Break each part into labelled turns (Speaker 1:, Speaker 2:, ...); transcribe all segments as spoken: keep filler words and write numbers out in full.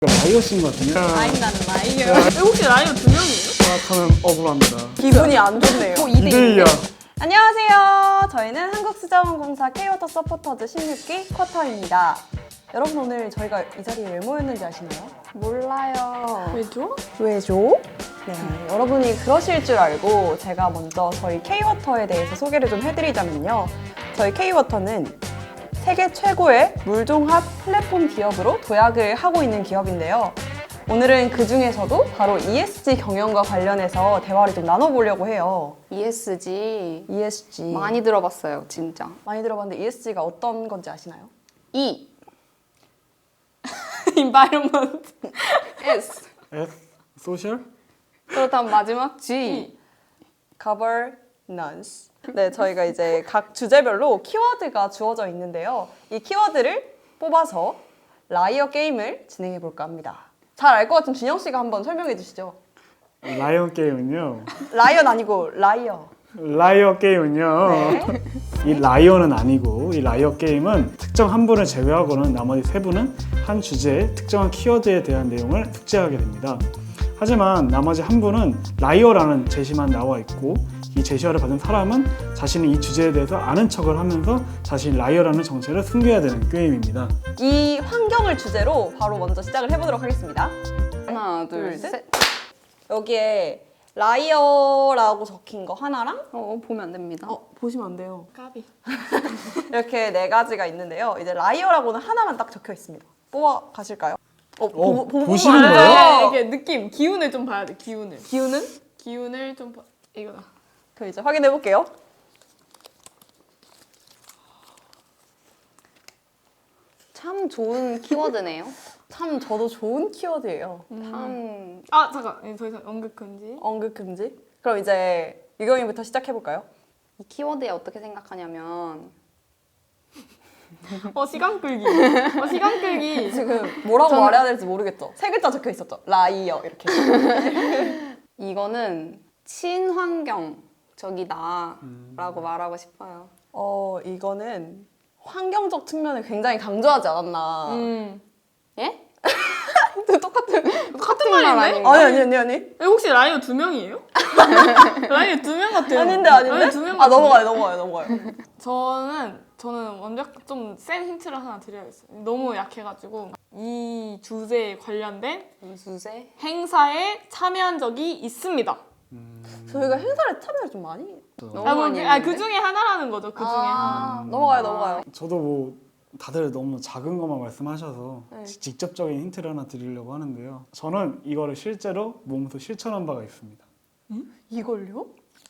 Speaker 1: 라이어신 것 같은데?
Speaker 2: 아니 난 라이어. 혹시 라이어 두 명이에요?
Speaker 1: 생각하면 억울합니다.
Speaker 2: 기분이 안 좋네요. 어, 이 대
Speaker 1: 이대이야.
Speaker 3: 안녕하세요. 저희는 한국수자원공사 K워터 서포터즈 십육 기 쿼터입니다. 여러분 오늘 저희가 이 자리에 왜 모였는지 아시나요? 몰라요.
Speaker 2: 왜죠?
Speaker 3: 왜죠? 네, 여러분이 그러실 줄 알고 제가 먼저 저희 K워터에 대해서 소개를 좀 해드리자면요. 저희 K워터는 세계 최고의 물종합 플랫폼 기업으로 도약을 하고 있는 기업인데요. 오늘은 그 중에서도 바로 이에스지 경영과 관련해서 대화를 좀 나눠보려고 해요.
Speaker 4: 이에스지
Speaker 3: 이에스지
Speaker 4: 많이 들어봤어요, 진짜.
Speaker 3: 많이 들어봤는데 이에스지가 어떤 건지 아시나요?
Speaker 4: E,
Speaker 2: environment.
Speaker 4: S.
Speaker 1: S? 소셜?
Speaker 4: 그렇다면 마지막 G.
Speaker 3: governance. 네, 저희가 이제 각 주제별로 키워드가 주어져 있는데요. 이 키워드를 뽑아서 라이어 게임을 진행해 볼까 합니다. 잘 알 것 같은 준영 씨가 한번 설명해 주시죠.
Speaker 1: 라이어 게임은요.
Speaker 3: 라이언 아니고 라이어.
Speaker 1: 라이어 게임은요.
Speaker 3: 네.
Speaker 1: 이 라이어는 아니고 이 라이어 게임은 특정 한 분을 제외하고는 나머지 세 분은 한 주제의 특정한 키워드에 대한 내용을 숙제하게 됩니다. 하지만 나머지 한 분은 라이어라는 제시만 나와 있고 이 제시어를 받은 사람은 자신이 이 주제에 대해서 아는 척을 하면서 자신이 라이어라는 정체를 숨겨야 되는 게임입니다.
Speaker 3: 이 환경을 주제로 바로 먼저 시작을 해보도록 하겠습니다.
Speaker 4: 하나, 둘,
Speaker 3: 둘, 셋.
Speaker 4: 셋.
Speaker 3: 여기에 라이어라고 적힌 거 하나랑
Speaker 4: 어, 보면 안 됩니다.
Speaker 3: 어, 보시면 안 돼요.
Speaker 2: 까비.
Speaker 3: 이렇게 네 가지가 있는데요. 이제 라이어라고는 하나만 딱 적혀 있습니다. 뽑아 가실까요? 어, 보, 보,
Speaker 1: 보시는
Speaker 3: 보고
Speaker 1: 거예요?
Speaker 3: 알아요.
Speaker 2: 이게 느낌, 기운을 좀 봐야 돼. 기운을.
Speaker 3: 기운은?
Speaker 2: 기운을 좀 봐. 이거다.
Speaker 3: 그럼 이제 확인해 볼게요.
Speaker 4: 참 좋은 키워드네요.
Speaker 3: 참 저도 좋은 키워드예요.
Speaker 4: 참
Speaker 2: 아 잠깐. 예, 더 이상 언급 금지.
Speaker 3: 언급 금지. 그럼 이제 유경이부터 시작해 볼까요?
Speaker 4: 이 키워드에 어떻게 생각하냐면
Speaker 2: 어 시간 끌기. 어 시간 끌기.
Speaker 3: 지금 뭐라고
Speaker 4: 저는-
Speaker 3: 말해야 될지 모르겠죠. 세 글자 적혀 있었죠. 라이어 이렇게.
Speaker 4: 이거는 친환경적이다라고 말하고 싶어요.
Speaker 3: 어 이거는 환경적 측면을 굉장히 강조하지 않았나.
Speaker 2: 음.
Speaker 4: 예?
Speaker 3: 똑같은.
Speaker 2: 똑같은
Speaker 4: 말
Speaker 2: 말인데?
Speaker 4: 아닌가?
Speaker 3: 아니 아니 아니 아니.
Speaker 2: 예, 혹시 라이어 두 명이에요? 라이어 두 명 같아요.
Speaker 3: 아닌데 아닌데.
Speaker 2: 라이어 두명
Speaker 3: 아 넘어가요 넘어가요 넘어가요.
Speaker 2: 저는 저는 먼저 좀 센 힌트를 하나 드려야겠어요. 너무 약해가지고 이 주제에 관련된
Speaker 4: 주제?
Speaker 2: 행사에 참여한 적이 있습니다.
Speaker 3: 저희가 행사를 참여를 좀 많이.
Speaker 4: 너무
Speaker 2: 아, 뭐,
Speaker 4: 많이
Speaker 2: 그, 아,
Speaker 4: 했는데?
Speaker 2: 그 중에 하나라는 거죠. 그 중에 하나.
Speaker 3: 아, 넘어가요 넘어가요.
Speaker 1: 저도 뭐 다들 너무 작은 것만 말씀하셔서
Speaker 3: 네.
Speaker 1: 지- 직접적인 힌트를 하나 드리려고 하는데요. 저는 이거를 실제로 몸소 실천한 바가 있습니다.
Speaker 3: 이걸요?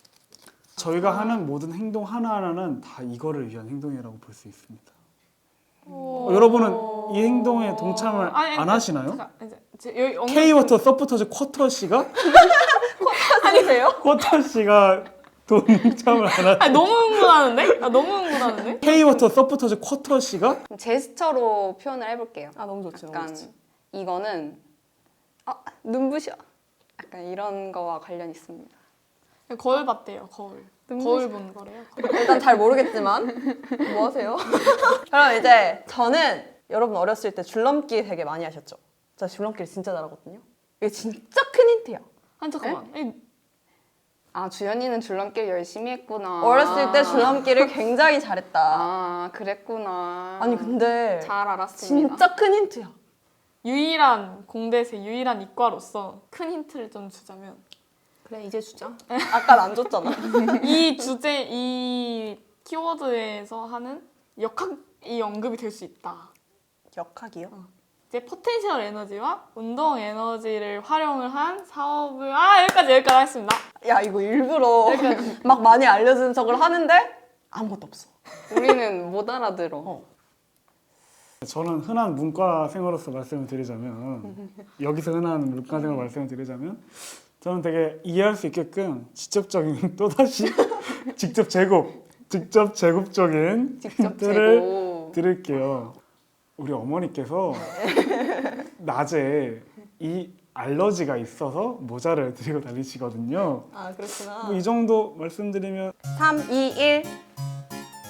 Speaker 1: 저희가 하는 모든 행동 하나하나는 다 이거를 위한 행동이라고 볼 수 있습니다. 어, 여러분은 이 행동에 동참을
Speaker 2: 아니,
Speaker 1: 안
Speaker 2: 아니,
Speaker 1: 하시나요?
Speaker 2: 잠깐, 이제 제- 여기 언급-
Speaker 1: K워터 서포터즈 쿼터 씨가
Speaker 3: 아니세요?
Speaker 1: 쿼터 씨가 동참을 안 하.
Speaker 2: 아니, 너무 흥분하는데? 아, 너무 흥분하는데?
Speaker 1: K워터 서포터즈 쿼터 씨가
Speaker 4: 제스처로 표현을 해볼게요.
Speaker 3: 아 너무 좋죠. 너무
Speaker 4: 약간
Speaker 3: 좋죠.
Speaker 4: 이거는 아, 눈부셔. 약간 이런 거와 관련 있습니다.
Speaker 2: 거울 봤대요. 거울. 거울 본 거래요. 거울.
Speaker 3: 일단 잘 모르겠지만 뭐 하세요? 그럼 이제 저는 여러분 어렸을 때 줄넘기 되게 많이 하셨죠? 저 줄넘기를 진짜 잘하거든요. 이게 진짜 큰 힌트야.
Speaker 2: 한 잠깐만. 이-
Speaker 4: 아, 주연이는 줄넘기를 열심히 했구나.
Speaker 3: 어렸을 때 줄넘기를 굉장히 잘했다.
Speaker 4: 아, 그랬구나.
Speaker 3: 아니 근데
Speaker 4: 잘 알았습니다.
Speaker 3: 진짜 큰 힌트야.
Speaker 2: 유일한 공대생 유일한 이과로서 큰 힌트를 좀 주자면
Speaker 4: 그래, 이제 주자.
Speaker 3: 아까 안 줬잖아.
Speaker 2: 이 주제 이 키워드에서 하는 역학이 언급이 될 수 있다.
Speaker 3: 역학이요?
Speaker 2: 이제 포텐셜 에너지와 운동 에너지를 활용을 한 사업을 아 여기까지 여기까지 하겠습니다.
Speaker 3: 야 이거 일부러
Speaker 2: 여기까지.
Speaker 3: 막 많이 알려주는 척을 하는데 아무것도 없어.
Speaker 4: 우리는 못 알아들어.
Speaker 3: 어.
Speaker 1: 저는 흔한 문과생으로서 말씀을 드리자면 여기서 흔한 문과생으로 말씀을 드리자면 저는 되게 이해할 수 있게끔 직접적인 또다시 직접 제곱 직접 제곱적인
Speaker 4: 직접
Speaker 1: 힌트를
Speaker 4: 재고.
Speaker 1: 드릴게요. 우리 어머니께서 낮에 이 알러지가 있어서 모자를 들고 다니시거든요.
Speaker 3: 아 그렇구나.
Speaker 1: 뭐 이 정도 말씀드리면
Speaker 3: 삼, 이, 일.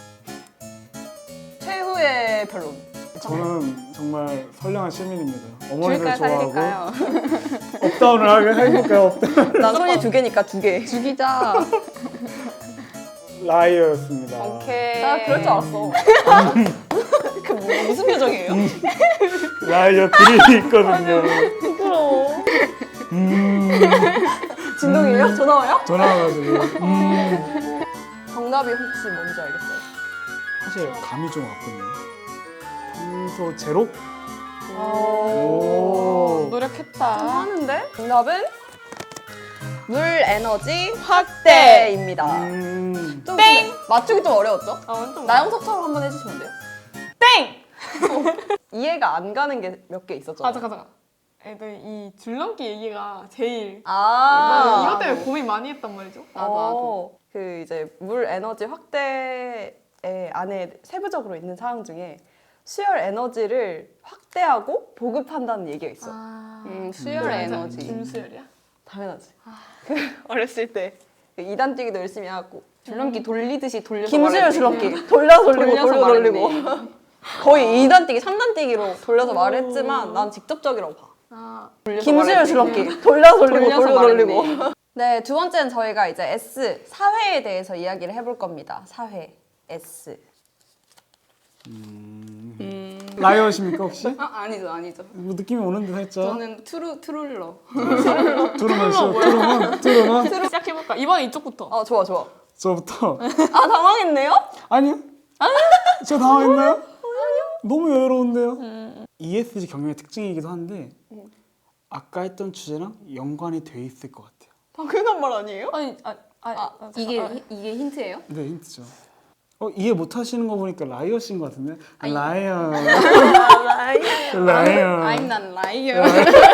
Speaker 3: 최후의 변론.
Speaker 1: 저는 정말 선량한 시민입니다. 어머니들
Speaker 4: 줄까요?
Speaker 1: 좋아하고
Speaker 4: 살릴까요?
Speaker 1: 업다운을 하게 해볼까요? 업다운.
Speaker 3: 난 손이 두 개니까 두 개.
Speaker 4: 죽이자.
Speaker 1: 라이어였습니다.
Speaker 4: 오케이.
Speaker 3: 나 그럴 줄 알았어. 그 뭐, 무슨 표정이에요?
Speaker 1: 라이어 그림이 있거든요.
Speaker 3: 부끄러워.
Speaker 1: 음,
Speaker 3: 진동이에요? 전화 와요?
Speaker 1: 전화 와가지고. 음.
Speaker 3: 정답이 혹시 뭔지 알겠어요?
Speaker 1: 사실 감이 좀 왔거든요. 탄소 제로?
Speaker 3: 오.
Speaker 2: 노력했다.
Speaker 3: 하는데? 정답은 물 에너지 확대입니다.
Speaker 1: 음.
Speaker 3: 좀 땡! 맞추기 좀 어려웠죠?
Speaker 2: 아 완전
Speaker 3: 나영석처럼 한번 해주시면 안 돼요?
Speaker 2: 땡!
Speaker 3: 이해가 안 가는 게 몇 개 있었죠?
Speaker 2: 아 잠깐 잠깐. 애들 이 줄넘기 얘기가 제일
Speaker 3: 아,
Speaker 2: 이것 때문에 고민 많이 했단 말이죠.
Speaker 4: 나도, 나도.
Speaker 3: 어, 그 이제 물 에너지 확대의 안에 세부적으로 있는 사항 중에 수열 에너지를 확대하고 보급한다는 얘기가 있어.
Speaker 2: 아,
Speaker 4: 음, 수열
Speaker 1: 음.
Speaker 4: 에너지.
Speaker 2: 김수열이야?
Speaker 3: 당연하지. 그 어렸을 때 이단 뛰기도 열심히 하고
Speaker 4: 줄넘기 돌리듯이 돌려서
Speaker 3: 김수열
Speaker 4: 말했지.
Speaker 3: 줄넘기 돌려 돌리고
Speaker 4: 돌려서
Speaker 3: 돌려 돌리고
Speaker 4: 말했네.
Speaker 3: 거의 이단 뛰기, 삼단 뛰기로 돌려서 말을 했지만 난 직접적이라고 봐.
Speaker 2: 아,
Speaker 4: 돌려서
Speaker 3: 김수열
Speaker 4: 말했지.
Speaker 3: 줄넘기 돌려 돌리고
Speaker 4: 돌려서
Speaker 3: 돌려 돌리고.
Speaker 4: 말했네.
Speaker 3: 네, 두 번째는 저희가 이제 S 사회에 대해서 이야기를 해볼 겁니다. 사회 S.
Speaker 4: 음.
Speaker 1: 라이어십니까 혹시?
Speaker 4: 아, 아니죠, 아니죠.
Speaker 1: 뭐 느낌이 오는데 살짝.
Speaker 4: 저는 트루 트룰러.
Speaker 1: 트루먼 쇼, 트루먼, 트루먼.
Speaker 2: 시작해볼까? 이번에 이쪽부터.
Speaker 3: 아 좋아 좋아.
Speaker 1: 저부터.
Speaker 3: 아 당황했네요?
Speaker 1: 아니요. 저 당황했나요? 아니요. 너무 여유로운데요. 이에스지 경영의 특징이기도 한데 아까 했던 주제랑 연관이 돼 있을 것 같아요.
Speaker 3: 당연한 말 아니에요?
Speaker 2: 아니, 아, 아,
Speaker 4: 아,
Speaker 2: 아,
Speaker 4: 이게
Speaker 2: 잠깐.
Speaker 4: 히- 이게 힌트예요?
Speaker 1: 네, 힌트죠. 어, 이해 못 하시는 거 보니까 라이어신 것 같은데? 라이어.
Speaker 3: 라이어.
Speaker 1: 라이어.
Speaker 4: I'm not liar.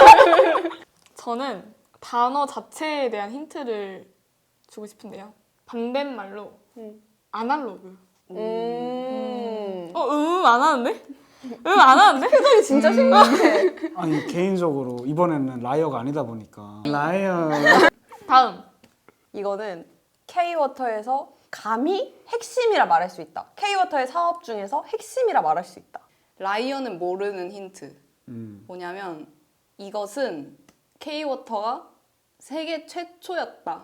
Speaker 2: 저는 단어 자체에 대한 힌트를 주고 싶은데요. 반대말로
Speaker 3: 음.
Speaker 2: 아날로그.
Speaker 3: 음.
Speaker 2: 어, 음, 안 하는데? 음, 안 하는데?
Speaker 3: 표정이 진짜 심각해.
Speaker 1: 아니 개인적으로 이번에는 라이어가 아니다 보니까 라이어.
Speaker 2: 다음.
Speaker 3: 이거는 K-워터에서 감히 핵심이라 말할 수 있다. K-워터의 사업 중에서 핵심이라 말할 수 있다.
Speaker 4: 라이어는 모르는 힌트.
Speaker 1: 음.
Speaker 4: 뭐냐면 이것은 K-워터가 세계 최초였다.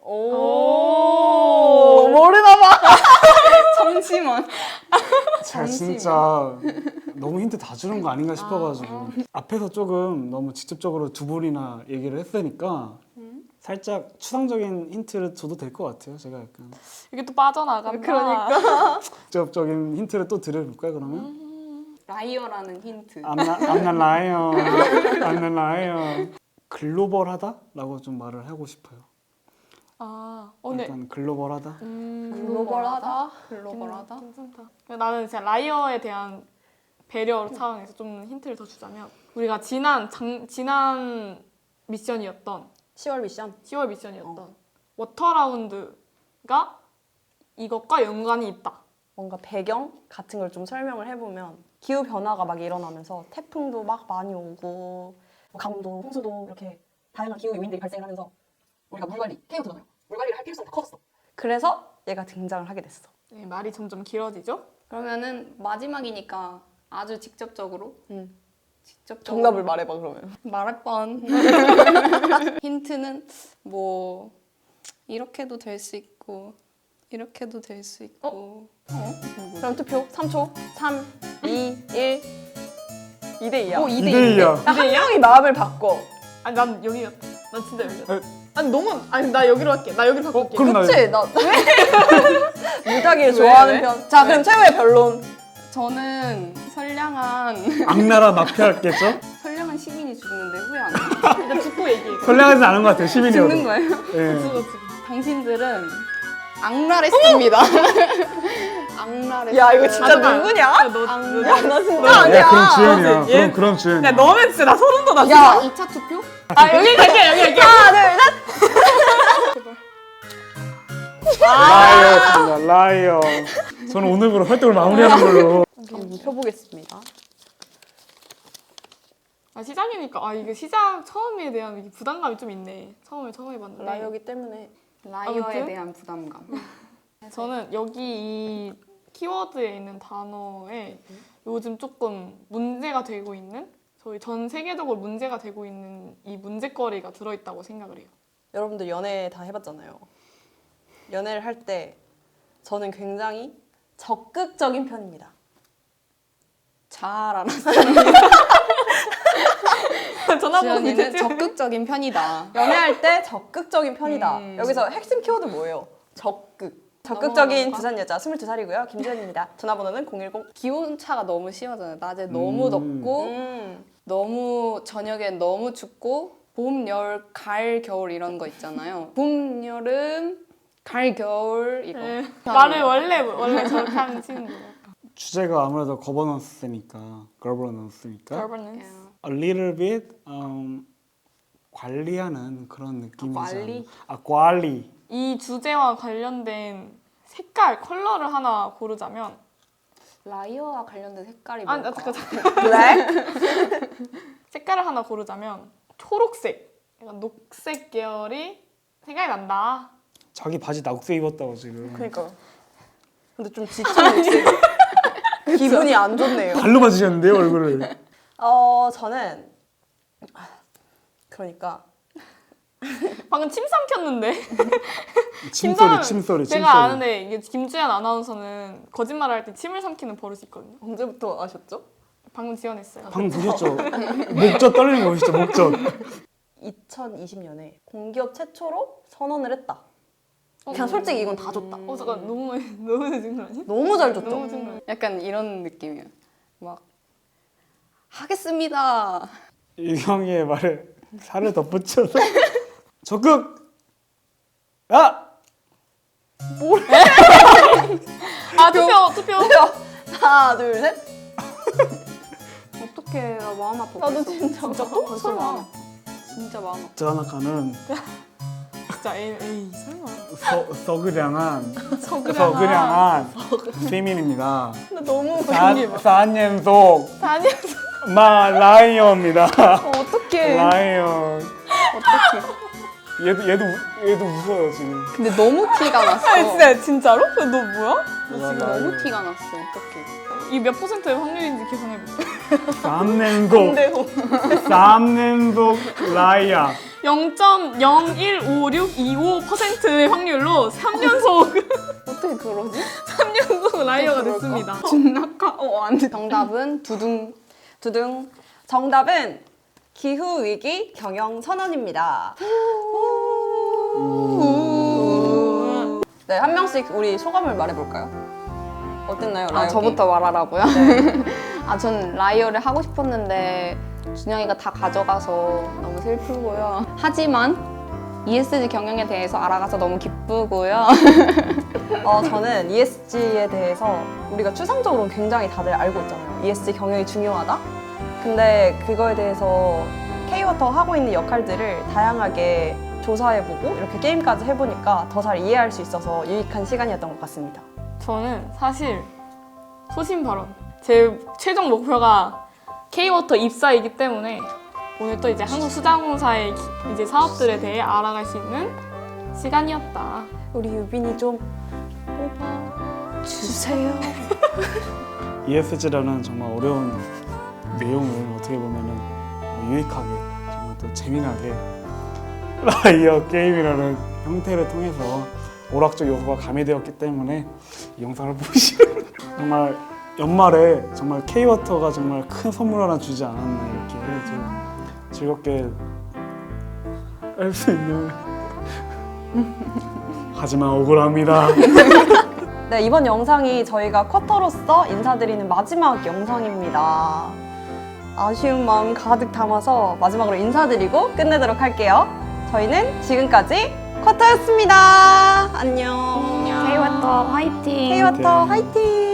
Speaker 3: 오, 모르나 봐.
Speaker 4: 잠시만.
Speaker 1: 제가 진짜 너무 힌트 다 주는 거 아닌가 싶어가지고 앞에서 조금 너무 직접적으로 두 분이나 얘기를 했으니까 살짝 추상적인 힌트를 줘도 될 것 같아요. 제가 약간
Speaker 2: 이게 또 빠져나간다.
Speaker 3: 그러니까.
Speaker 1: 직접적인 힌트를 또 드려볼까요 그러면?
Speaker 4: 라이어라는 힌트.
Speaker 1: I'm not, I'm not liar. I'm not liar. 글로벌하다라고 좀 말을 하고 싶어요.
Speaker 2: 아, 어, 네.
Speaker 1: 약간 글로벌하다.
Speaker 2: 음,
Speaker 4: 글로벌하다. 글로벌하다.
Speaker 2: 괜찮다. 나는 진짜 라이어에 대한 배려 차원에서 좀 힌트를 더 주자면 우리가 지난 장, 지난 미션이었던
Speaker 3: 시월 미션.
Speaker 2: 시월 미션이었던 워터라운드가 이것과 연관이 있다.
Speaker 3: 뭔가 배경 같은 걸 좀 설명을 해보면 기후 변화가 막 일어나면서 태풍도 막 많이 오고 뭐 강도, 홍수도 이렇게 다양한 기후 요인들이 발생하면서 우리가 물 관리, 케이오잖아요. 물 관리를 할 필요성이 더 커졌어. 그래서 얘가 등장을 하게 됐어.
Speaker 2: 네, 말이 점점 길어지죠?
Speaker 4: 그러면은 마지막이니까 아주 직접적으로.
Speaker 3: 응.
Speaker 4: 직접적으로.
Speaker 3: 정답을 말해봐 그러면.
Speaker 4: 말할 뻔. 힌트는 뭐 이렇게도 될 수 있고 이렇게도 될 수 있고. 어?
Speaker 3: 그럼 투표 삼 초. 삼, 이, 일. 이 대 이야.
Speaker 4: 어, 이 대
Speaker 1: 이 대 이야.
Speaker 3: 한 명이 마음을 바꿔.
Speaker 2: 아니 난 여기였다. 난 진짜 여기였다.
Speaker 1: 에?
Speaker 2: 아니 너무 아니 나 여기로 할게. 나 여기로
Speaker 1: 어,
Speaker 2: 바꿀게.
Speaker 1: 그럼 나
Speaker 3: 그치? 나 왜? 물타기를 좋아하는
Speaker 2: 왜?
Speaker 3: 편. 자 그럼 최후의 변론.
Speaker 4: 저는 선량한
Speaker 1: 악나라 마피아겠죠?
Speaker 4: 선량한 시민이 죽는데 후회 안 해요.
Speaker 2: 일단 듣고 얘기해.
Speaker 1: 선량하진 않은 것 같아요. 시민이어도.
Speaker 4: 죽는 거예요?
Speaker 1: 예.
Speaker 2: 죽어 죽어.
Speaker 4: 당신들은 악랄했습니다. 악랄했어요.
Speaker 3: 야 이거 진짜
Speaker 2: 잠깐만.
Speaker 3: 누구냐?
Speaker 2: 야, 너,
Speaker 3: 야,
Speaker 2: 너,
Speaker 3: 나 진짜
Speaker 1: 야,
Speaker 3: 아니야.
Speaker 1: 그럼 주연이야.
Speaker 2: 얘-
Speaker 1: 그럼 그럼 주연이야.
Speaker 2: 야 너는 진짜 나 소름 돋아.
Speaker 3: 야,
Speaker 4: 이 차 투표?
Speaker 2: 아 여기 갈게 여기 갈게.
Speaker 3: 하나, 둘, 셋.
Speaker 1: 라이어였습니다. 라이어. 저는 오늘부로 활동을 마무리하는 걸로.
Speaker 3: 한번 펴보겠습니다.
Speaker 2: 아 시작이니까 아 이게 시작 처음에 대한 이게 부담감이 좀 있네. 처음에 처음 해봤는데.
Speaker 3: 라이어기 때문에.
Speaker 4: 라이어에
Speaker 2: 아무튼?
Speaker 4: 대한 부담감.
Speaker 2: 저는 여기 이 키워드에 있는 단어에 요즘 조금 문제가 되고 있는 저희 전 세계적으로 문제가 되고 있는 이 문제거리가 들어있다고 생각을 해요.
Speaker 3: 여러분들 연애 다 해봤잖아요. 연애를 할 때 저는 굉장히 적극적인 편입니다.
Speaker 4: 잘 알았어.
Speaker 2: 전화번호
Speaker 4: 지연이는
Speaker 2: 밑에 찍어.
Speaker 4: 적극적인 편이다.
Speaker 3: 연애할 때 적극적인 편이다.
Speaker 4: 음.
Speaker 3: 여기서 핵심 키워드 뭐예요? 적극. 적극적인
Speaker 2: 넘어갈까?
Speaker 3: 부산 여자 스물두 살이고요. 김지연입니다. 전화번호는 공일공.
Speaker 4: 기온차가 너무 심하잖아요. 낮에 너무
Speaker 1: 음.
Speaker 4: 덥고
Speaker 3: 음.
Speaker 4: 너무 저녁에 너무 춥고 봄, 열, 가을, 겨울 이런 거 있잖아요. 봄, 여름, 가을, 겨울 이거.
Speaker 2: 네. 말을 원래 원래 저렇게 하는 친구예요.
Speaker 1: 주제가 아무래도 거버넌스니까 거버넌스니까
Speaker 2: Governance.
Speaker 1: a little bit um, 관리하는 그런 느낌이죠.
Speaker 3: 관리?
Speaker 1: 아 관리.
Speaker 2: 이 주제와 관련된 색깔, 컬러를 하나 고르자면
Speaker 4: 라이어와 관련된 색깔이
Speaker 2: 아,
Speaker 4: 뭘까?
Speaker 2: 잠깐, 잠깐.
Speaker 3: 블랙?
Speaker 2: 색깔을 하나 고르자면 초록색, 약간 녹색 계열이 생각이 난다.
Speaker 1: 자기 바지 낙색 입었다고 지금.
Speaker 3: 그러니까. 근데 좀 지친 목소리. 기분이 안 좋네요.
Speaker 1: 발로 맞으셨는데요 얼굴을.
Speaker 3: 어 저는 그러니까
Speaker 2: 방금 침 삼켰는데.
Speaker 1: 침소리
Speaker 2: 심장을-
Speaker 1: 침소리
Speaker 2: 제가
Speaker 1: 침소리.
Speaker 2: 아는데 이게 김주현 아나운서는 거짓말을 할 때 침을 삼키는 버릇이 있거든요.
Speaker 3: 언제부터 아셨죠?
Speaker 2: 방금 지원했어요.
Speaker 1: 방금 보셨죠? 목젖 떨리는 거 보시죠 목젖.
Speaker 3: 이천이십 년에 공기업 최초로 선언을 했다. 그냥 솔직히 이건 다 줬다.
Speaker 2: 어 잠깐 너무 너무 늦은 거 아니야?
Speaker 3: 너무 잘 줬죠.
Speaker 2: 너무 늦은 거 아니야?
Speaker 4: 약간 이런 느낌이에요. 막 하겠습니다.
Speaker 1: 유경이의 말에 살을 덧붙여서 적극. 아
Speaker 2: 아 투표 투표.
Speaker 3: 하나 둘 셋.
Speaker 4: 어떡해. 나 마음 아파.
Speaker 3: 나도
Speaker 4: 벌써.
Speaker 3: 진짜
Speaker 2: 진짜
Speaker 3: 또?
Speaker 2: 또?
Speaker 4: 벌써
Speaker 2: 설마.
Speaker 4: 마음 아파. 진짜 마음 아파.
Speaker 1: 자나카는
Speaker 2: 진짜 에이, 에이 설마.
Speaker 1: 서, 서그량한
Speaker 2: 서그량한.
Speaker 1: 서그량한 시민입니다.
Speaker 3: 근데 너무
Speaker 1: 사 년 속
Speaker 2: 다니면서
Speaker 1: 마 라이언입니다.
Speaker 3: 어떡해.
Speaker 1: 라이언.
Speaker 4: 어떡해.
Speaker 1: 얘도 얘도 우- 얘도 웃어요 지금.
Speaker 4: 근데 너무 티가 났어.
Speaker 2: 아 진짜 진짜로? 너 뭐야?
Speaker 4: 나 지금 너무 티가 났어. 어떡해.
Speaker 2: 이 몇 퍼센트의 확률인지 계산해볼게.
Speaker 1: 삼 년 속
Speaker 3: 근데도
Speaker 1: 삼 년 속 라이언.
Speaker 2: 영 점 영일오육이오 퍼센트의 확률로 삼 년속
Speaker 4: 어떻게 그러지?
Speaker 2: 삼 년속 라이어가
Speaker 3: 그럴까?
Speaker 2: 됐습니다.
Speaker 4: 진낙하? 어, 안 돼. 정답은 두둥.
Speaker 3: 두둥. 정답은 기후 위기 경영 선언입니다. 네, 한 명씩 우리 소감을 말해볼까요? 어땠나요, 라이어
Speaker 4: 아, 저부터 말하라고요? 아, 전 라이어를 하고 싶었는데 준영이가 다 가져가서 너무 슬프고요. 하지만 이에스지 경영에 대해서 알아가서 너무 기쁘고요.
Speaker 3: 어, 저는 이에스지에 대해서 우리가 추상적으로 굉장히 다들 알고 있잖아요. 이에스지 경영이 중요하다? 근데 그거에 대해서 K워터 하고 있는 역할들을 다양하게 조사해보고 이렇게 게임까지 해보니까 더 잘 이해할 수 있어서 유익한 시간이었던 것 같습니다.
Speaker 2: 저는 사실 소신 발언. 제 최종 목표가 K워터 입사이기 때문에 오늘 또 이제 한국수자공사의 기- 이제 사업들에 대해 알아갈 수 있는 시간이었다.
Speaker 3: 우리 유빈이 좀 뽑아주세요.
Speaker 1: 이에스지라는 정말 어려운 내용을 어떻게 보면은 뭐 유익하게 정말 또 재미나게 라이어 게임이라는 형태를 통해서 오락적 요소가 가미되었기 때문에 이 영상을 보시면 정말 연말에 정말 K워터가 정말 큰 선물 하나 주지 않았나 이렇게 좀 즐겁게 할 수 있는 하지만 억울합니다.
Speaker 3: 네, 이번 영상이 저희가 쿼터로서 인사드리는 마지막 영상입니다. 아쉬운 마음 가득 담아서 마지막으로 인사드리고 끝내도록 할게요. 저희는 지금까지 쿼터였습니다. 안녕.
Speaker 4: K워터 화이팅!
Speaker 3: K워터 화이팅!